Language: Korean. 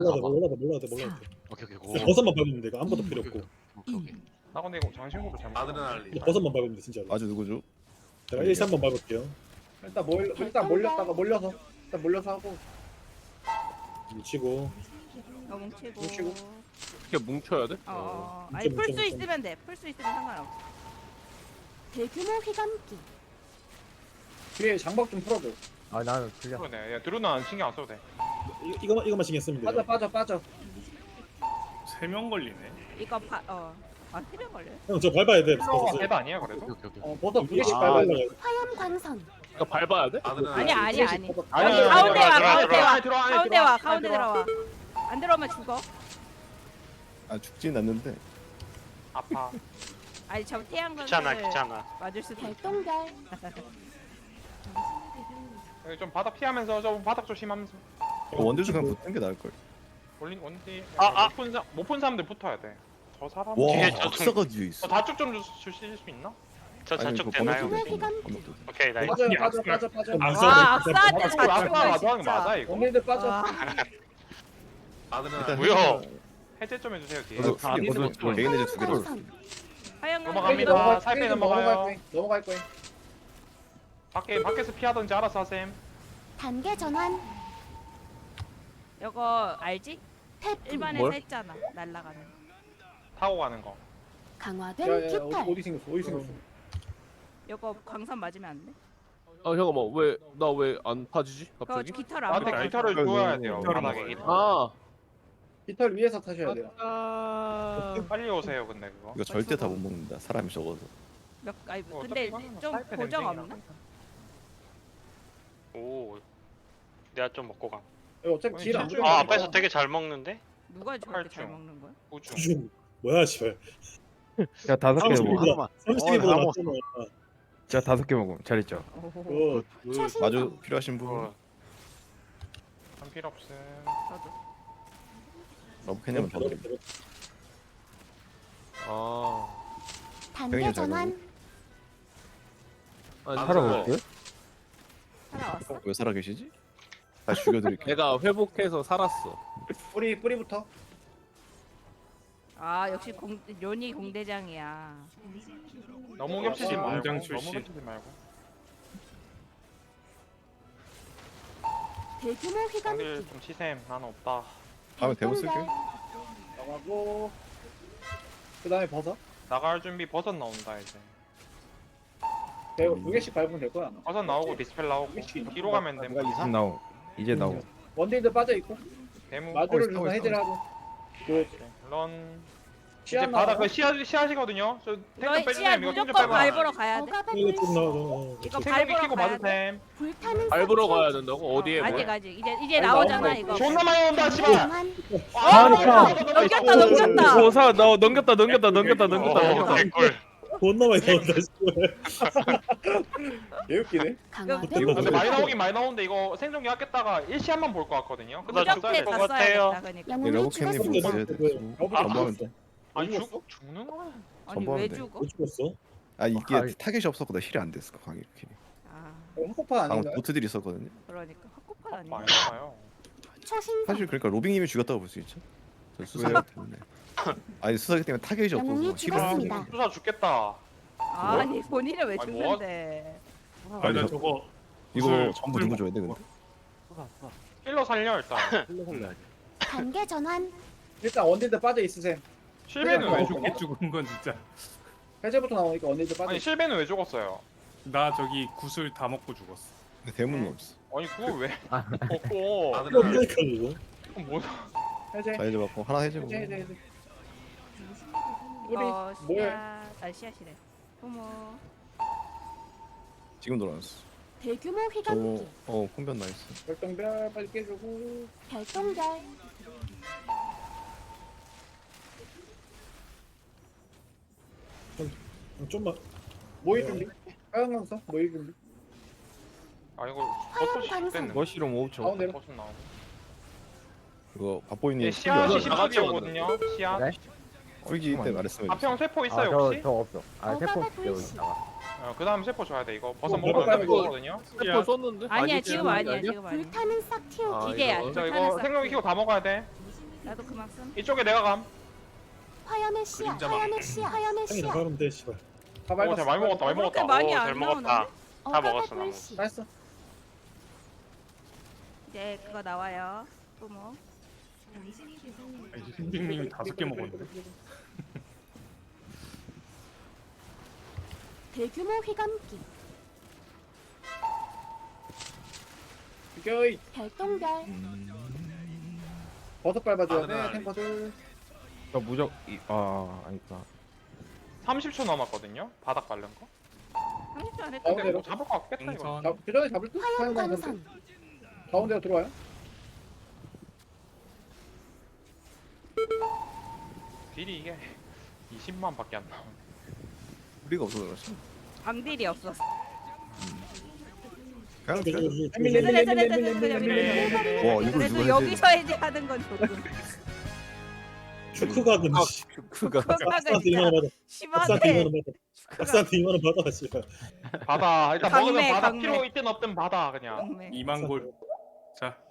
몰라도 돼. 오케이 그냥 버섯만 밟으면 돼. 이거 아무것도 필요 없고. 오케이. 나 근데 이거 장신구로 잘못. 아드레날린. 이거 버섯만 밟으면 돼 진짜로. 아주 누구죠? 제가 1, 3번 밟을게요. 일단 몰렸다가 몰려서 일단 몰려서 하고 뭉치고. 뭉치고. 뭉치고. 이렇게 뭉쳐야 돼? 아니 뭉쳐, 풀 수 뭉쳐. 있으면 돼. 풀 수 있으면 상관없어. 대규모 휘감기. 뒤에 장박 좀 풀어줘. 아 나는 그냥 그러네. 야 드루는 신경 안 써도 돼. 이거만 신경 쓰면 돼. 빠져. 3명 걸리네. 이거 세명 걸려. 형저 밟아야 돼. 어, 버섯을. 대박 아니야 그래도? 오케이. 버섯 두 개씩 아, 밟아야 돼. 화염 광선. 이거 밟아야 돼? 아드레날린. 아니. 아니야, 가운데 와. 들어와. 가운데 들어와. 안 들어오면 죽어. 아 죽진 않는데. 아파. 아니 저 태양광을 귀찮아. 맞을 수도 있어. 별똥별. 여기 좀 바닥 피하면서 좀 바닥 조심하면서. 원딜 그냥 붙는 게 나을 걸. 올린 원디. 아. 못푼 사람들 붙어야 돼. 저 사람. 와 뒤에 저 악사가 뒤에 있어. 다축 좀 주실 수 있나? 저 아니, 좌측 그거 되나요? 검역도 돼. 휘감기. 검역도 돼. 오케이 나 이거. 빠져. 안 와 써도 악사한테 돼. 자축을 맞아 하는 거 진짜. 맞아 이거. 언니들 빠져. 와. 아드레날린. 뭐야? 해제 좀 해주세요 뒤에. 저도 다 크게 아니지, 뭐. 개인 해제 두 개로. 광선. 하얀 넘어갑니다. 광선. 살빼 넘어가요. 넘어갈 거야. 밖에서 피하던지 알아서 하셈. 단계 전환. 이거 알지? 태풍. 일반에서 뭘? 했잖아. 날라가는. 타고 가는 거. 강화된 야야 깃털. 어디 생겼어? 이거 광선 맞으면 안 돼? 잠깐만 왜 안 파지지 그거 갑자기? 깃털 안 나한테 맞아. 기타를 줘야 돼요. 기타를 바닥에 먹어요. 기타. 아 깃털 위에서 타셔야 돼요. 빨리 오세요 근데 그거. 이거 절대 다 못 먹는다. 사람이 적어서. 아니 어, 근데 어차피 이거는 좀 사이트 고정 냄새가 없나? 오. 내가 좀 먹고 가. 이거 어차피 아니, 딜안 실제로- 들어가. 아 앞에서 되게 잘 먹는데? 누가 저렇게 잘 팔중. 먹는 거야? 우주. 수준 뭐야 씨발. 제가 5개 먹어. 30개보다 낫잖아. 제가 5개 먹어. 잘했죠. 오호호. 초신성. 마주 필요하신 분. 어. 한 필요 없음. 저도. 러브캐냐면 더 드림. 단계 형님 잘 전환. 아니 살아볼게요. 살아왔어? 왜 살아 계시지? 다시 죽여드릴게. 내가 회복해서 살았어. 뿌리부터. 아 역시 요니 공대장이야. 너무 겹치지 말고. 공장 너무 출신. 겹치지 말고. 대규모 형들 휘감기. 좀 치셈. 나는 없다. 다음에 대본 쓸게. 나가고. 그다음에 버섯. 나갈 준비 버섯 나온다 이제. 내가 두 개씩 밟으면 될 거야. 아마. 버섯 나오고 디스펠 나오고 뒤로 가면 돼. 나오. 이제 나오. 원딜들 빠져 있고. 대무. 마주를 있어, 누가 해제를 하고. 그 런. 이제 시야 바닥 나와. 그 씨앗이거든요. 저 탱크 이거 씨알 빼주세요. 이거 좀 무조건 빼봐. 밟으러 가야 돼. 억압의 이거 좀 불씨. 나와. 이거 생각이 밟으러 키고 가야 봐도 돼. 됨. 불타는 밟으러 싹. 가야 된다고? 어디에 아직 뭐? 아직 이제 나오잖아 이거. 존나 많이 온다 단계 씨발. 전환. 넘겼다. 넘겼다. 개꿀. 존나 많이 나온다 씨발. 개웃기네. 강화된 이거 근데 근데 많이 나오긴 많이 나오는데 이거 생존기 아꼈다가 일시한만 볼 것 같거든요. 근데 나 좀 써야 무적대 돼. 것 다 같아요. 써야겠다 그러니까. 영웅이 러브캐님 죽었습니다. 있어야 돼. 전부하면 돼. 아니 죽었어? 죽는 거야. 아니 전부하면 왜 돼. 죽어? 못 죽었어? 아 이게 타겟이 없었고 나 힐이 안 됐어. 강이 이렇게. 아 한국판 방금 아닌가요? 보트들이 있었거든요. 그러니까 헛것판 아니야. 많이 나와요. 초신성. 사실 그러니까 로빙님이 죽였다고 볼 수 있죠. 저 수사기 때문에. 아니 수사기 때문에 타겟이 영웅이 없어서 힐을 안 죽었습니다. 수사 죽겠다. 아니 본인은 왜 아니, 뭐 죽는데? 아니, 나 저거 이거 구슬- 전부 구슬 누구 줘야 돼 근데? 힐러 살려 일단. 단계 전환. 일단 원딜들 빠져 있으세요. 실베는 왜 저게 죽어? 죽은 건 진짜. 해제부터 나오니까 원딜들 빠져 아니 있어. 실베는 왜 죽었어요? 나 저기 구슬 다 먹고 죽었어. 근데 대문은 없어. 아니 그거 왜? 먹고. 이거 아드레날린. 없으니까 이거. 그럼 뭐야? 해제. 자 이제 맞고 하나 해주고. 해제. 뿌리 이거 뭐야? 씨앗이래. 부모. 지금 돌아왔어. 대규모 저 휘감기. 콩변 나이스. 별똥별 빨리 깨주고. 별똥별. 좀만. 모일 준비. 하얀 강사 모일 준비. 아 이거 화염 버섯이 광선. 됐네. 머시로 5초. 가운데로. 버섯 나오고. 이거 밥보이님 얘 씨앗이 이거 다 같이 10초거든요. 씨앗. 네? 꿀기 때 말했으면. 앞형 세포 있어요 혹시? 저 없어. 아 억압의 세포 불씨. 그 다음 세포 줘야 돼 이거. 버섯 뭐, 먹으면 이거- 되거든요. 세포 썼는데? 아니야 아니지, 지금 아니야 지금 아니야. 불타는 싹 틔우기. 아, 기계야. 이거. 저 이거 생명기 키고 다 먹어야 돼. 나도 그만 쓴. 이쪽에 내가 감. 화염의 씨앗, 그림자 화염의 씨앗, 화염의 형이 씨앗. 나가면 돼 씨발. 다 오, 밟았어. 잘 많이 먹었다, 많이 그렇게 먹었다. 많이 오, 안 잘 나오는데? 먹었다. 어가가 먹었어, 나 불씨. 나이스. 이제 그거 나와요. 뿜어. 빙빙님이 5개 먹었는데. 대규모 휘감기, 비켜이. 별똥별, 버섯 밟아줘야 돼. 아드레날린. 탱커들. 저 무적 아니구나. 30초 남았거든요. 바닥 바른 거. 30초 안에 가운데로. 근데 뭐 잡을 거 없겠다 이거. 동선 그 전에 잡을 듯? 화염 사용하는 광선, 가운데로 들어와요. 딜이 이게 20만밖에 안 나오네. 우리가 없어서 그렇지. 암딜이 없었어. 그냥 저기, 저기, 저기. 밀리, 밀리, 밀리, 밀리, 그래, 밀리, 밀리. 그래. 와 이걸 그래도 누가 여기서 해지 하는 건 조금 슈크가 근 씨. 그가 그거가 박사한테 진짜 2만 원 받아. 박사한테 2만 심하네. 원 받아. 박사한테 2만 원 받아 씨발. 받아. 일단 강매, 먹으면 받아. 강매. 필요 있든 없든 받아 그냥. 경매. 2만 골. 자